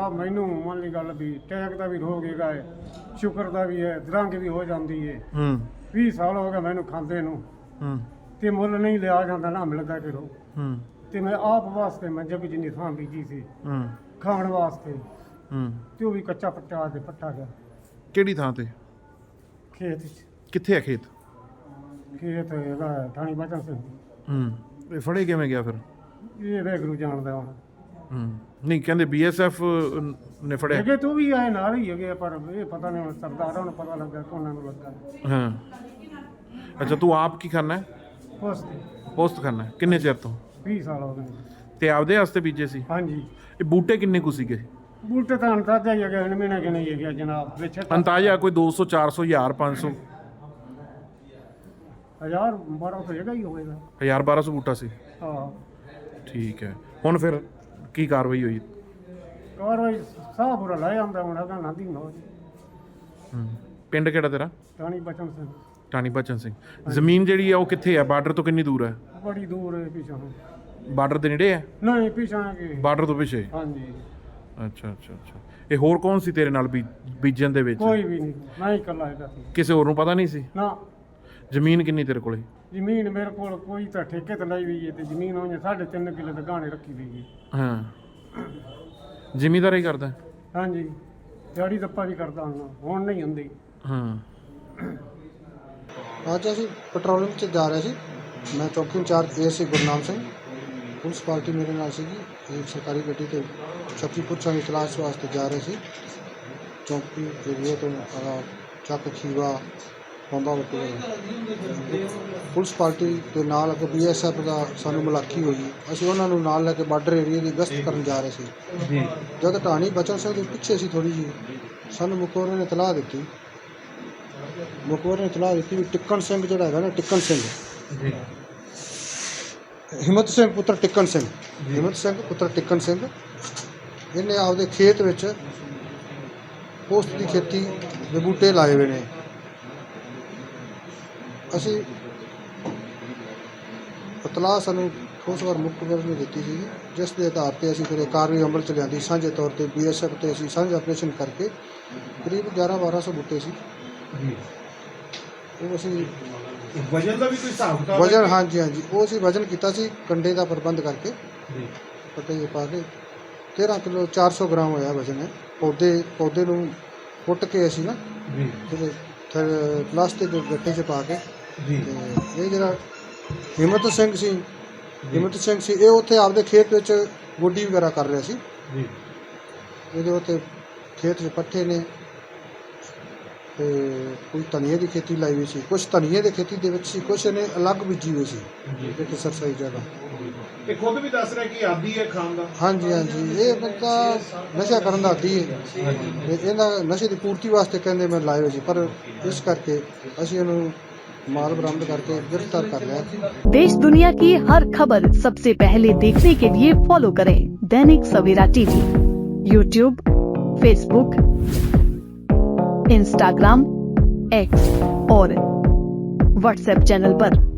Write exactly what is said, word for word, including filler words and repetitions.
ਮੈਨੂੰ ਮੰਨ ਲਈ ਗੱਲ ਵੀ ਟੈਕ ਦਾ ਵੀ ਰੋਗ ਹੈਗਾ ਹੈ, ਸ਼ੂਗਰ ਦਾ ਵੀ ਹੈ, ਦਰੰਗ ਵੀ ਹੋ ਜਾਂਦੀ ਹੈ। ਹੂੰ ਵੀਹ ਸਾਲ ਹੋ ਗਏ ਮੈਨੂੰ ਖਾਂਦੇ ਨੂੰ, ਹੂੰ ਤੇ ਮੁੱਲ ਨਹੀਂ ਲਿਆ ਜਾਂਦਾ ਨਾ ਮਿਲਦਾ ਕਿਰੋ। ਹੂੰ ਤੇ ਮੈਂ ਆਪ ਵਾਸਤੇ ਮੈਂ ਜਗ ਜਿੰਨੀ ਥਾਂ ਬੀਜੀ ਸੀ ਹੂੰ ਖਾਣ ਵਾਸਤੇ, ਹੂੰ ਤੇ ਉਹ ਵੀ ਕੱਚਾ ਪੱਟਾ ਤੇ ਪੱਟਾ ਗਿਆ ਕਿਹੜੀ ਥਾਂ ਤੇ? ਖੇਤ 'ਚ। ਕਿੱਥੇ ਆ ਖੇਤ? ਖੇਤ ਹੈਗਾ ਥਾਣੀ ਬਚਨ ਸਿੰਘ। ਹੂੰ ਇਹ ਫੜੇ ਕਿਵੇਂ ਗਿਆ ਫਿਰ? ਇਹ ਵੈਗਰੂ ਜਾਣਦਾ ਹੁਣ। ਹੂੰ ਨਹੀਂ ਕਹਿੰਦੇ ਬੀ ਐਸ ਐਫ ਨੇ ਫੜਿਆ। ਹੈਗੇ ਤੂੰ ਵੀ ਆਏ ਨਾਲ ਹੀ ਹੈਗੇ, ਪਰ ਇਹ ਪਤਾ ਨਹੀਂ ਹੁਣ ਸਰਦਾਰਾਂ ਨੂੰ ਪਤਾ ਲੱਗਾ ਕੋਨਾਂ ਨੂੰ ਲੱਗਾ। ਹਾਂ ਅੱਛਾ ਤੂੰ ਆਪ ਕੀ ਕਰਨਾ ਹੈ? ਉਸ ਪੋਸਟ ਕਰਨਾ ਹੈ। ਕਿੰਨੇ ਚਿਰ ਤੋਂ? ਵੀਹ ਸਾਲ ਹੋ ਗਏ। ਤੇ ਆਪਦੇ ਵਾਸਤੇ ਬੀਜੇ ਸੀ? ਹਾਂਜੀ। ਇਹ ਬੂਟੇ ਕਿੰਨੇ ਕੁ ਸੀਗੇ? ਬੂਟੇ ਤਾਂ ਅੰਤਾਜਾ ਹੀ ਹੈਗੇ, ਮਹੀਨਾ ਕਿ ਨਹੀਂ ਹੈਗਾ ਜਨਾਬ। ਵਿੱਚ ਅੰਤਾਜ਼ਾ ਕੋਈ ਦੋ ਸੌ ਚਾਰ ਸੌ ਹਜ਼ਾਰ ਪੰਜ ਸੌ ਹਜ਼ਾਰ ਬਾਰਾਂ ਸੌ ਹੈਗਾ ਹੀ ਹੋਵੇਗਾ। ਹਜ਼ਾਰ ਬਾਰਾਂ ਸੌ ਬੂਟਾ ਸੀ। ਹਾਂ ਠੀਕ ਹੈ। ਹੁਣ ਫਿਰ ਕੀ ਕਾਰਵਾਈ ਹੋਈ? ਕਾਰਵਾਈ ਸਾਹ ਪੂਰਾ ਲੈ ਆਉਂਦਾ ਹੁਣ ਹੈਗਾ ਨਾਂਦੀ ਨੋ ਜੀ। ਹੂੰ ਪਿੰਡ ਕਿਹੜਾ ਤੇਰਾ? ਟਾਣੀ ਬਚਨ ਸਿੰਘ। ਟਾਣੀ ਬਚਨ ਸਿੰਘ। ਜ਼ਮੀਨ ਜਿਹੜੀ ਆ ਉਹ ਕਿੱਥੇ ਆ? ਬਾਰਡਰ ਤੋਂ ਕਿੰਨੀ ਦੂਰ ਹੈ? ਬੜੀ ਦੂਰ ਹੈ ਪਿਛਾਂ। ਬਾਰਡਰ ਦੇ ਨੇੜੇ ਹੈ? ਨਹੀਂ ਪਿਛਾਂ ਕਿ ਬਾਰਡਰ ਤੋਂ ਪਿੱਛੇ? ਹਾਂਜੀ। ਅੱਛਾ ਅੱਛਾ ਅੱਛਾ ਇਹ ਹੋਰ ਕੌਣ ਸੀ ਤੇਰੇ ਨਾਲ ਬੀ ਬੀਜਣ ਦੇ ਵਿੱਚ? ਕੋਈ ਵੀ ਨਹੀਂ, ਮੈਂ ਹੀ ਇਕੱਲਾ ਹੈਗਾ ਸੀ। ਕਿਸੇ ਹੋਰ ਨੂੰ ਪਤਾ ਨਹੀਂ ਸੀ? ਨਾ। ਜ਼ਮੀਨ ਕਿੰਨੀ ਤੇਰੇ ਕੋਲੇ? ਜ਼ਮੀਨ ਮੇਰੇ ਕੋਲ ਕੋਈ ਤਾਂ ਠੇਕੇ ਤੇ ਲਈ ਹੋਈ ਹੈ, ਤੇ ਜ਼ਮੀਨ ਉਹਨੇ ਸਾਢੇ ਤਿੰਨ ਕਿੱਲੇ ਤੇ ਗਾਣੇ ਰੱਖੀ ਹੋਈ ਹੈ। ਹਾਂ ਜ਼ਿਮੀਂਦਾਰੀ ਕਰਦਾ? ਹਾਂਜੀ ਦਿਹਾੜੀ ਦੱਪਾ ਵੀ ਕਰਦਾ ਹੁਣ, ਹੁਣ ਨਹੀਂ ਹੁੰਦੀ। ਹਾਂ ਅੱਜ ਅਸੀਂ ਪੈਟਰੋਲਿੰਗ 'ਚ ਜਾ ਰਹੇ ਸੀ। ਮੈਂ ਚੌਕੀ ਇੰਚਾਰਜ ਏ ਸੀ ਗੁਰਨਾਮ ਸਿੰਘ, ਪੁਲਿਸ ਪਾਰਟੀ ਮੇਰੇ ਨਾਲ ਸੀਗੀ। ਇੱਕ ਸਰਕਾਰੀ ਗੱਡੀ ਤੇ ਚੱਕੀ ਪੁੱਛਾਂ ਦੀ ਤਲਾਸ਼ ਵਾਸਤੇ ਜਾ ਰਹੇ ਸੀ। ਚੌਕੀ ਏਰੀਏ ਤੋਂ ਆਹ ਚੱਕ ਖੀਵਾ ਬੰਬਾ ਵਟੇ ਪੁਲਿਸ ਪਾਰਟੀ ਦੇ ਨਾਲ ਅੱਗੇ ਬੀ ਐਸ ਐਫ ਦਾ ਸਾਨੂੰ ਮੁਲਾਕੀ ਹੋਈ। ਅਸੀਂ ਉਹਨਾਂ ਨੂੰ ਨਾਲ ਲੈ ਕੇ ਬਾਰਡਰ ਏਰੀਏ ਦੀ ਗਸ਼ਤ ਕਰਨ ਜਾ ਰਹੇ ਸੀ। ਜੀ ਜਦ ਢਾਣੀ ਬਚਨ ਸਿੰਘ ਦੇ ਪਿੱਛੇ ਸੀ ਥੋੜ੍ਹੀ ਜਿਹੀ, ਸਾਨੂੰ ਮੁਖਬਰ ਨੇ ਇਤਲਾਹ ਦਿੱਤੀ ਮੁਖਬਰ ਨੇ ਇਤਲਾਹ ਦਿੱਤੀ ਵੀ ਟਿੱਕਣ ਸਿੰਘ ਜਿਹੜਾ ਹੈਗਾ ਨਾ, ਟਿੱਕਣ ਸਿੰਘ ਜੀ ਹਿੰਮਤ ਸਿੰਘ ਪੁੱਤਰ ਟਿੱਕਣ ਸਿੰਘ ਹਿੰਮਤ ਸਿੰਘ ਪੁੱਤਰ ਟਿੱਕਣ ਸਿੰਘ ਇਹਨੇ ਆਪਦੇ ਖੇਤ ਵਿੱਚ ਪੋਸਤ ਦੀ ਖੇਤੀ ਦੇ ਬੂਟੇ ਲਾਏ ਹੋਏ ਨੇ। ਅਸੀਂ ਇਤਲਾਹ ਸਾਨੂੰ ਉਸ ਵਾਰ ਮੁਖਬਰ ਨੇ ਦਿੱਤੀ ਸੀ, ਜਿਸ ਦੇ ਆਧਾਰ 'ਤੇ ਅਸੀਂ ਫਿਰ ਕਾਰਵਾਈ ਅਮਲ 'ਚ ਲਿਆਂਦੀ। ਸਾਂਝੇ ਤੌਰ 'ਤੇ ਬੀ ਐਸ ਐਫ 'ਤੇ ਅਸੀਂ ਸਾਂਝਾ ਆਪਰੇਸ਼ਨ ਕਰਕੇ ਕਰੀਬ ਗਿਆਰਾਂ ਬਾਰਾਂ ਸੌ ਬੂਟੇ ਸੀ ਜੀ ਉਹ ਅਸੀਂ ਵਜਨ ਦਾ ਵੀ ਕੋਈ ਹਿਸਾਬ ਕਿਤਾਬ? ਵਜਨ ਹਾਂਜੀ ਹਾਂਜੀ ਉਹ ਅਸੀਂ ਵਜਨ ਕੀਤਾ ਸੀ ਕੰਡੇ ਦਾ ਪ੍ਰਬੰਧ ਕਰਕੇ। ਜੀ ਪੱਟੇ ਜਿਹੇ ਪਾ ਕੇ ਤੇਰ੍ਹਾਂ ਕਿਲੋ ਚਾਰ ਸੌ ਗ੍ਰਾਮ ਹੋਇਆ ਵਜਨ ਹੈ। ਪੌਦੇ ਪੌਦੇ ਨੂੰ ਪੁੱਟ ਕੇ ਅਸੀਂ ਨਾ ਜੀ ਫਿਰ ਪਲਾਸਟਿਕ ਦੇ ਗੱਟੇ 'ਚ ਪਾ ਕੇ। ਜੀ ਤੇ ਇਹ ਜਿਹੜਾ ਹਿੰਮਤ ਸਿੰਘ ਸੀ ਹਿੰਮਤ ਸਿੰਘ ਸੀ ਇਹ ਉੱਥੇ ਆਪਦੇ ਖੇਤ ਵਿੱਚ ਗੋਡੀ ਵਗੈਰਾ ਕਰ ਰਿਹਾ ਸੀ। ਜੀ ਇਹਦੇ ਉੱਤੇ ਖੇਤ 'ਚ ਪੱਠੇ ਨੇ ਤੇ ਕੋਈ ਧਨੀਏ ਦੀ ਖੇਤੀ ਲਾਈ ਹੋਈ ਸੀ, ਕੁਛ ਧਨੀਏ ਦੀ ਖੇਤੀ ਦੇ ਵਿੱਚ ਸੀ, ਕੁਛ ਇਹਨੇ ਅਲੱਗ ਬੀਜੀ ਹੋਈ ਸੀ ਇੱਕ ਸਰਸਾਈ ਜਗ੍ਹਾ। ਇਹ ਖੁਦ ਵੀ ਦੱਸ ਰਿਹਾ ਕਿ ਆਦੀ ਹੈ ਖਾਣ ਦਾ। ਹਾਂਜੀ ਹਾਂਜੀ ਇਹ ਬੰਦਾ ਨਸ਼ਾ ਕਰਨ ਦਾ ਆਦੀ ਹੈ ਤੇ ਇਹਦਾ ਨਸ਼ੇ ਦੀ ਪੂਰਤੀ ਵਾਸਤੇ ਕਹਿੰਦੇ ਮੈਂ ਲਾਏ ਹੋਏ ਸੀ, ਪਰ ਇਸ ਕਰਕੇ ਅਸੀਂ ਇਹਨੂੰ माल बरामद करके गिरफ्तार कर लिया। देश दुनिया की हर खबर सबसे पहले देखने के लिए फॉलो करें Dainik Savera TV, YouTube, Facebook, Instagram, X और व्हाट्सएप चैनल पर।